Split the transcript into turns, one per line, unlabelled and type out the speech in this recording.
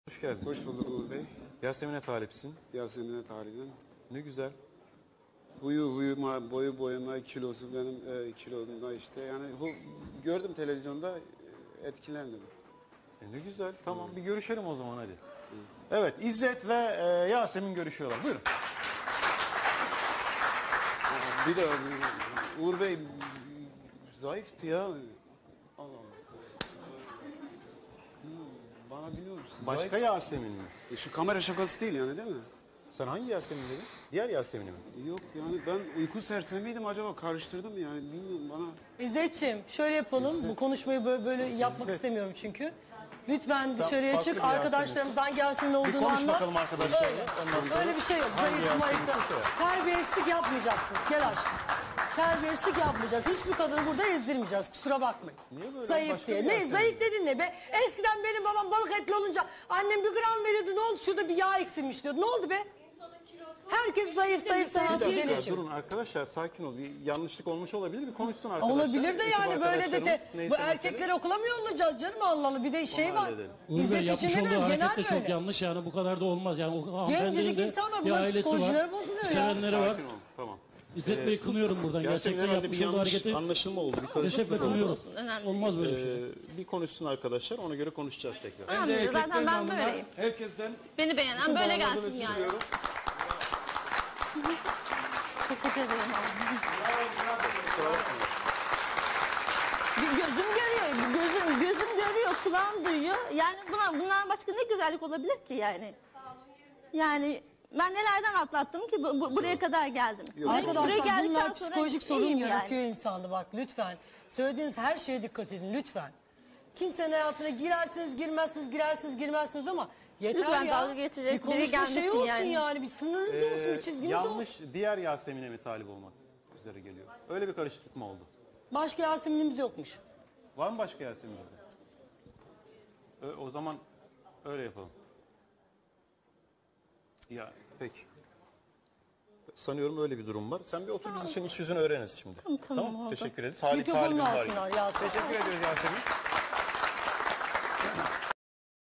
Hoş geldin.
Hoş bulduk Uğur Bey.
Yasemin'e talipsin.
Yasemin'e talibim.
Ne güzel.
Boyu boyuma, kilosu benim kilomda işte. Yani bu gördüm televizyonda etkilendim.
Ne güzel. Tamam bir görüşelim o zaman hadi. Evet İzzet ve Yasemin görüşüyorlar. Buyurun.
Bir de Uğur Bey zayıftı ya. Allah Allah. Bana biliyor musun?
Başka Yasemin mi?
Şu kamera şakası değil yani değil mi?
Sen hangi Yasemin dedin? Diğer Yasemin'i mi?
Yok yani ben uyku sersemiydim acaba karıştırdım yani bilmiyorum bana.
İzzetciğim şöyle yapalım. Bu konuşmayı böyle yapmak istemiyorum çünkü. Lütfen dışarıya
farklı
çık.
bir
Arkadaşlarımızdan gelsin ne
Bir
olduğunu
konuş
anlat.
bakalım arkadaşlarla.
Öyle.
Ondan sonra
Öyle bir şey yok.
hangi
Zayıf
Yasemin
mayıf.
ise o.
Terbiyesizlik yapmayacaksınız. Gel aşkım. Terbiyesizlik yapmayacağız. Hiçbir kadını burada ezdirmeyeceğiz. Kusura bakmayın.
Niye böyle?
Zayıf
Başka
diye.
bir
Ne
Yasemin.
zayıf dedin ne be? Eskiden benim babam balık etli olunca annem 1 gram veriyordu. Ne oldu? Şurada bir yağ eksilmiş diyordu. Ne oldu be? Herkes zayıf
Bir
diye
dakika
geçiyor.
durun arkadaşlar sakin ol. Bir yanlışlık olmuş olabilir. Bir konuşsun arkadaşlar.
Olabilir de
Ekip
yani böyle de
arkadaşlarımız neyse
bu erkekleri okula mı yollayacağız canım Allah Allah bir de şey var.
halledelim.
Uğur Bey
İzzet
yapmış
için
olduğu
demiyorum genel
hareket de çok
böyle.
yanlış yani bu kadar da olmaz. Yani o hanımefendinin de
insanlar,
bir
bunların
ailesi var,
psikolojileri bozuluyor ya.
sevenleri var.
Sakin ol. Tamam.
İzzet Bey'i kınıyorum buradan.
Yasemin
Gerçekten
herhalde
yapmış
bir
olduğu
yanlış
hareketi
anlaşılma oldu. Bir
kesinlikle
karışıklık oldu.
kınıyorum. Olmaz böyle bir şey.
Bir konuşsun arkadaşlar. Ona göre konuşacağız tekrar.
Tamam, zaten ben böyleyim.
Herkesten
Beni beğenen böyle gelsin yani. Teşekkür ederim. Gözüm görüyor, gözüm görüyor, kulağım duyuyor. Yani bundan başka ne güzellik olabilir ki yani? Yani ben nelerden atlattım ki buraya kadar geldim.
Arkadaşlar bunlar
sonra
psikolojik sorun
iyiyim
yaratıyor insanda bak lütfen. Söylediğiniz her şeye dikkat edin lütfen. Kimsenin hayatına girersiniz girmezsiniz girersiniz girmezsiniz ama yeter
Lütfen
ya.
dalga geçecek
bir konuşma
biri gelmesin
şey olsun
yani.
yani. Bir sınırınız olsun bir çizginiz
Yanlış
olsun.
diğer Yasemin'e mi talip olmak üzere geliyor? Öyle bir karışıklık mı oldu?
Başka Yasemin'imiz yokmuş.
Var mı başka Yasemin? O zaman öyle yapalım. Ya peki. Sanıyorum öyle bir durum var. Sen bir otur biz için iç yüzünü öğreniriz şimdi.
Tamam, oldu.
Teşekkür ederiz. Salih
Mikrofonunu
talibim var.
alsınlar Yasemin.
Teşekkür ediyoruz Yasemin.